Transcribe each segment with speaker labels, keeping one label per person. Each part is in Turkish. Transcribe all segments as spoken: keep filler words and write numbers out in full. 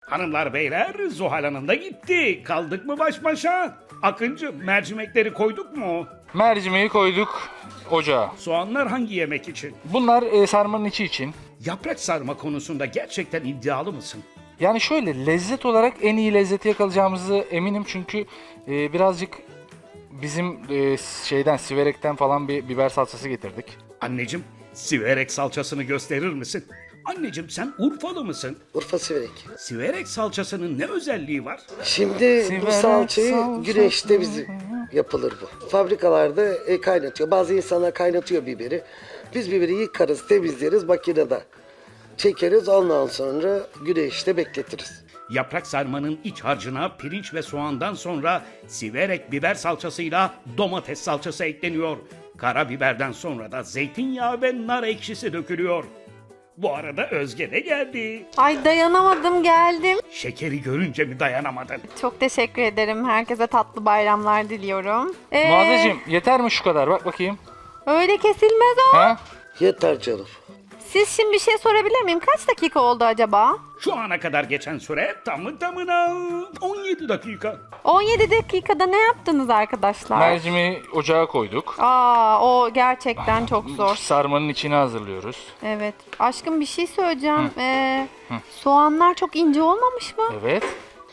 Speaker 1: Hanımlar beyler, Zuhal Hanım da gitti. Kaldık mı baş başa? Akıncı, mercimekleri koyduk mu?
Speaker 2: Mercimeği koyduk ocağa.
Speaker 1: Soğanlar hangi yemek için?
Speaker 2: Bunlar e, sarmanın içi için.
Speaker 1: Yaprak sarma konusunda gerçekten iddialı mısın?
Speaker 2: Yani şöyle lezzet olarak en iyi lezzeti yakalayacağımızı eminim çünkü e, birazcık bizim e, şeyden Siverek'ten falan bir biber salçası getirdik.
Speaker 1: Anneciğim, siverek salçasını gösterir misin? Anneciğim, sen Urfalı mısın?
Speaker 3: Urfa Siverek.
Speaker 1: Siverek salçasının ne özelliği var?
Speaker 3: Şimdi
Speaker 2: Siverek
Speaker 3: bu salçayı
Speaker 2: salçası.
Speaker 3: güneşte bizim yapılır bu. Fabrikalarda e, kaynatıyor. Bazı insanlar kaynatıyor biberi. Biz biberi yıkarız, temizleriz makinede. Çekeriz, ondan sonra güneşte bekletiriz.
Speaker 1: Yaprak sarmanın iç harcına pirinç ve soğandan sonra siverek biber salçasıyla domates salçası ekleniyor. Karabiberden sonra da zeytinyağı ve nar ekşisi dökülüyor. Bu arada Özge de geldi.
Speaker 4: Ay dayanamadım geldim.
Speaker 1: Şekeri görünce mi dayanamadın?
Speaker 4: Çok teşekkür ederim. Herkese tatlı bayramlar diliyorum. Ee,
Speaker 2: Muazzeciğim yeter mi şu kadar? Bak bakayım.
Speaker 4: Öyle kesilmez o.
Speaker 2: Ha?
Speaker 3: Yeter canım.
Speaker 4: Siz şimdi bir şey sorabilir miyim? Kaç dakika oldu acaba?
Speaker 1: Şu ana kadar geçen süre tamı tamına on yedi dakika.
Speaker 4: on yedi dakikada ne yaptınız arkadaşlar?
Speaker 2: Mercimeği ocağa koyduk.
Speaker 4: Aa, o gerçekten çok zor.
Speaker 2: Sarmanın içini hazırlıyoruz.
Speaker 4: Evet. Aşkım bir şey söyleyeceğim. Ee, soğanlar çok ince olmamış mı?
Speaker 2: Evet.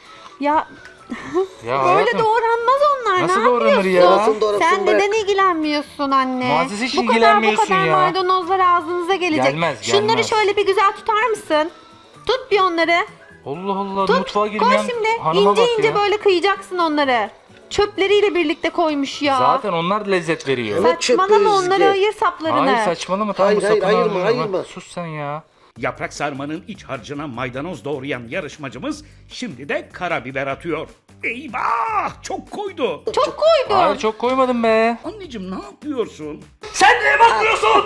Speaker 4: Ya
Speaker 2: Ya
Speaker 4: böyle
Speaker 2: hayatım,
Speaker 4: doğranmaz onlar.
Speaker 2: nasıl
Speaker 4: ne
Speaker 2: doğranır
Speaker 4: yapıyorsun?
Speaker 2: ya?
Speaker 3: Doğrasın, doğrasın
Speaker 4: Sen
Speaker 3: bırak.
Speaker 4: neden ilgilenmiyorsun anne?
Speaker 2: Muazzez hiç
Speaker 4: bu kadar bu
Speaker 2: ilgilenmiyorsun
Speaker 4: kadar
Speaker 2: ya.
Speaker 4: maydanozlar ağzınıza gelecek.
Speaker 2: Gelmez,
Speaker 4: Şunları
Speaker 2: gelmez.
Speaker 4: şöyle bir güzel tutar mısın? Tut bir onları.
Speaker 2: Allah Allah
Speaker 4: Tut.
Speaker 2: mutfağa
Speaker 4: Koy
Speaker 2: girmeyen
Speaker 4: şimdi.
Speaker 2: hanıma
Speaker 4: İnce
Speaker 2: bak
Speaker 4: ince
Speaker 2: ya.
Speaker 4: böyle kıyacaksın onları. Çöpleriyle birlikte koymuş ya.
Speaker 2: Zaten onlar lezzet veriyor.
Speaker 3: Evet.
Speaker 4: Saçmalama
Speaker 3: çöpü
Speaker 4: onları
Speaker 3: Özge.
Speaker 4: ayır saplarını.
Speaker 2: Hayır saçmalama tam
Speaker 3: Hayır,
Speaker 2: bu
Speaker 3: hayır,
Speaker 2: sapını
Speaker 3: ayırma,
Speaker 2: alıyorum ha.
Speaker 3: ayırma.
Speaker 2: Sus sen ya.
Speaker 1: Yaprak sarmanın iç harcına maydanoz doğrayan yarışmacımız şimdi de karabiber atıyor. Eyvah! Çok koydu.
Speaker 4: Çok koydun.
Speaker 2: Hayır çok koymadım be.
Speaker 1: Anneciğim ne yapıyorsun?
Speaker 2: Sen neye bakmıyorsun?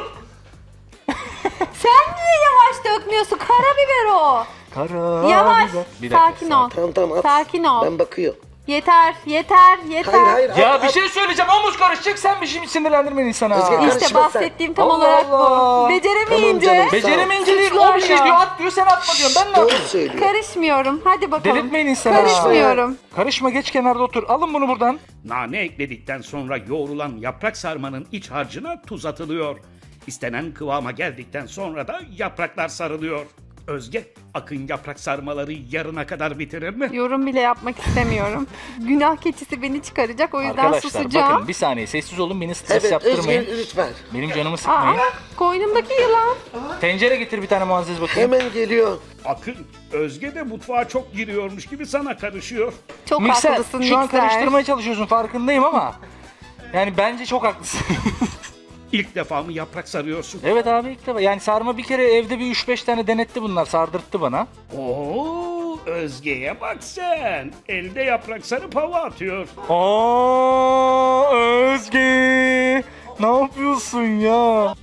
Speaker 4: Sen niye yavaş dökmüyorsun? Karabiber o.
Speaker 2: Kara.
Speaker 4: Yavaş.
Speaker 2: Bir dakika,
Speaker 4: Sakin ol.
Speaker 3: Tamam tamam at.
Speaker 4: Sakin ol.
Speaker 3: Ben bakıyorum.
Speaker 4: Yeter, yeter, yeter.
Speaker 3: Hayır hayır.
Speaker 2: Ya
Speaker 3: at,
Speaker 2: bir
Speaker 3: at.
Speaker 2: şey söyleyeceğim omuz karışacak sen bir şey sinirlendirmeyin insana.
Speaker 3: Özge,
Speaker 4: İşte
Speaker 3: Karışma sen.
Speaker 4: bahsettiğim tam
Speaker 2: Allah
Speaker 4: olarak
Speaker 2: Allah.
Speaker 4: bu. Beceremeyince
Speaker 3: Tamam canım.
Speaker 2: Beceremeyince değil
Speaker 4: Suçlar
Speaker 2: o bir şey
Speaker 4: ya.
Speaker 2: diyor at diyor sen atma diyorsun ben ne
Speaker 3: Doğru
Speaker 2: yapayım?
Speaker 3: söylüyor.
Speaker 4: karışmıyorum. Hadi bakalım.
Speaker 2: Delirtmeyin insanı.
Speaker 4: Karışmıyorum.
Speaker 2: Karışma geç kenarda otur alın bunu buradan.
Speaker 1: Nane ekledikten sonra yoğrulan yaprak sarmanın iç harcına tuz atılıyor. İstenen kıvama geldikten sonra da yapraklar sarılıyor. Özge, Akın yaprak sarmaları yarına kadar bitirir mi?
Speaker 4: Yorum bile yapmak istemiyorum. Günah keçisi beni çıkaracak o yüzden
Speaker 2: Arkadaşlar
Speaker 4: susacağım.
Speaker 2: bakın bir saniye sessiz olun beni stres
Speaker 3: Evet
Speaker 2: yaptırmayın.
Speaker 3: Özge lütfen.
Speaker 2: Benim canımı
Speaker 4: Aa,
Speaker 2: sıkmayın.
Speaker 4: koynumdaki yılan.
Speaker 2: Tencere getir bir tane Muazzez bakayım.
Speaker 3: Hemen geliyor.
Speaker 1: Akın, Özge de mutfağa çok giriyormuş gibi sana karışıyor.
Speaker 4: Çok
Speaker 2: Mikser
Speaker 4: haklısın
Speaker 2: şu an
Speaker 4: mikser.
Speaker 2: karıştırmaya çalışıyorsun farkındayım ama. Yani bence çok haklısın.
Speaker 1: İlk defa mı yaprak sarıyorsun?
Speaker 2: Evet abi ilk defa. Yani sarma bir kere evde bir üç beş tane denetti bunlar sardırttı bana.
Speaker 1: Oo, Özge'ye bak sen. Elde yaprak sarıp hava atıyor.
Speaker 2: Aa Özge ne yapıyorsun ya?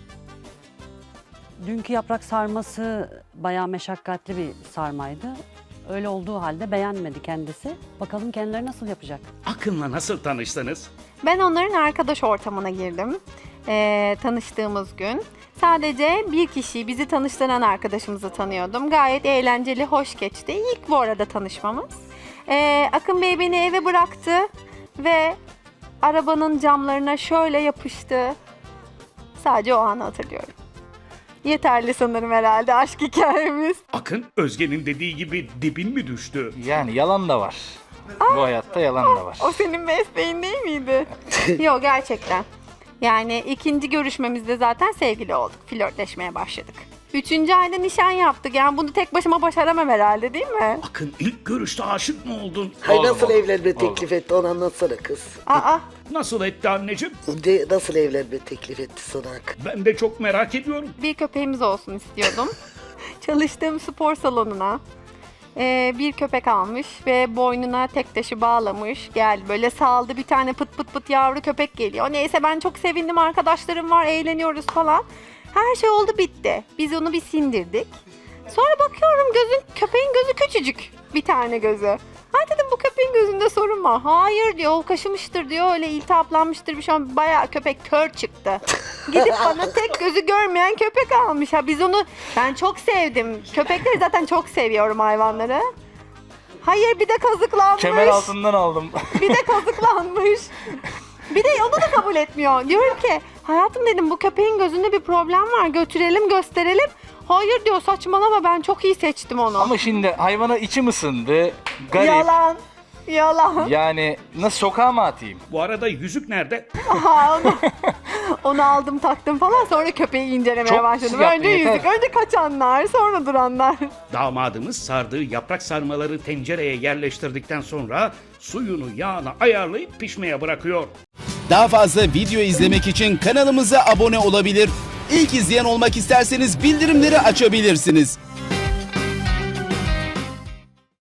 Speaker 5: Dünkü yaprak sarması bayağı meşakkatli bir sarmaydı. Öyle olduğu halde beğenmedi kendisi. Bakalım kendileri nasıl yapacak?
Speaker 1: Akın'la nasıl tanıştınız?
Speaker 4: Ben onların arkadaş ortamına girdim. Ee, tanıştığımız gün. Sadece bir kişiyi, bizi tanıştıran arkadaşımızı tanıyordum. Gayet eğlenceli, hoş geçti. İlk bu arada tanışmamız. Ee, Akın Bey beni eve bıraktı ve arabanın camlarına şöyle yapıştı. Sadece o anı hatırlıyorum. Yeterli sanırım herhalde aşk hikayemiz.
Speaker 1: Akın, Özge'nin dediği gibi dibin mi düştü?
Speaker 2: Yani yalan da var. Bu hayatta yalan da var.
Speaker 4: O senin mesleğin değil miydi? Yok gerçekten. Yani ikinci görüşmemizde zaten sevgili olduk. Flörtleşmeye başladık. Üçüncü ayda nişan yaptık. Yani bunu tek başıma başaramam herhalde değil mi?
Speaker 1: Akın, ilk görüşte aşık mı oldun?
Speaker 3: Hay
Speaker 2: Oldu,
Speaker 3: nasıl
Speaker 2: oldu.
Speaker 3: evlenme
Speaker 2: Oldu.
Speaker 3: teklif etti onu anlatsana kız.
Speaker 4: Aa,
Speaker 1: Nasıl etti anneciğim?
Speaker 3: De, nasıl evlenme teklif etti sana?
Speaker 1: Ben de çok merak ediyorum.
Speaker 4: bir köpeğimiz olsun istiyordum. Çalıştığım spor salonuna e, bir köpek almış ve boynuna tek taşı bağlamış. Geldi böyle saldı, bir tane pıt pıt pıt yavru köpek geliyor. Neyse ben çok sevindim, arkadaşlarım var, eğleniyoruz falan. Her şey oldu bitti. Biz onu bir sindirdik. Sonra bakıyorum gözün, köpeğin gözü küçücük. Bir tane gözü. Ha dedim bu köpeğin gözünde sorun var. Hayır diyor, o kaşımıştır diyor, öyle iltihaplanmıştır bir şey. olmuş. Bayağı köpek kör çıktı. Gidip bana tek gözü görmeyen köpek almış. Ha biz onu, ben çok sevdim. Köpekleri zaten çok seviyorum, hayvanları. Hayır, bir de kazıklanmış.
Speaker 2: Kemer altından aldım.
Speaker 4: Bir de kazıklanmış. Bir de onu da kabul etmiyor. Diyorum ki hayatım dedim bu köpeğin gözünde bir problem var. Götürelim gösterelim. Hayır diyor, saçmalama, ben çok iyi seçtim onu.
Speaker 2: Ama şimdi hayvana içim ısındı. Garip.
Speaker 4: Yalan. Yalan.
Speaker 2: Yani nasıl sokağa mı atayım?
Speaker 1: Bu arada yüzük nerede?
Speaker 4: Aha, onu, onu aldım taktım falan, sonra köpeği incelemeye
Speaker 2: Çok
Speaker 4: başladım.
Speaker 2: pis yaptın,
Speaker 4: Önce
Speaker 2: yeter.
Speaker 4: yüzük, önce kaçanlar, sonra duranlar.
Speaker 1: Damadımız sardığı yaprak sarmaları tencereye yerleştirdikten sonra suyunu yağını ayarlayıp pişmeye bırakıyor.
Speaker 6: Daha fazla video izlemek için kanalımıza abone olabilir. İlk izleyen olmak isterseniz bildirimleri açabilirsiniz.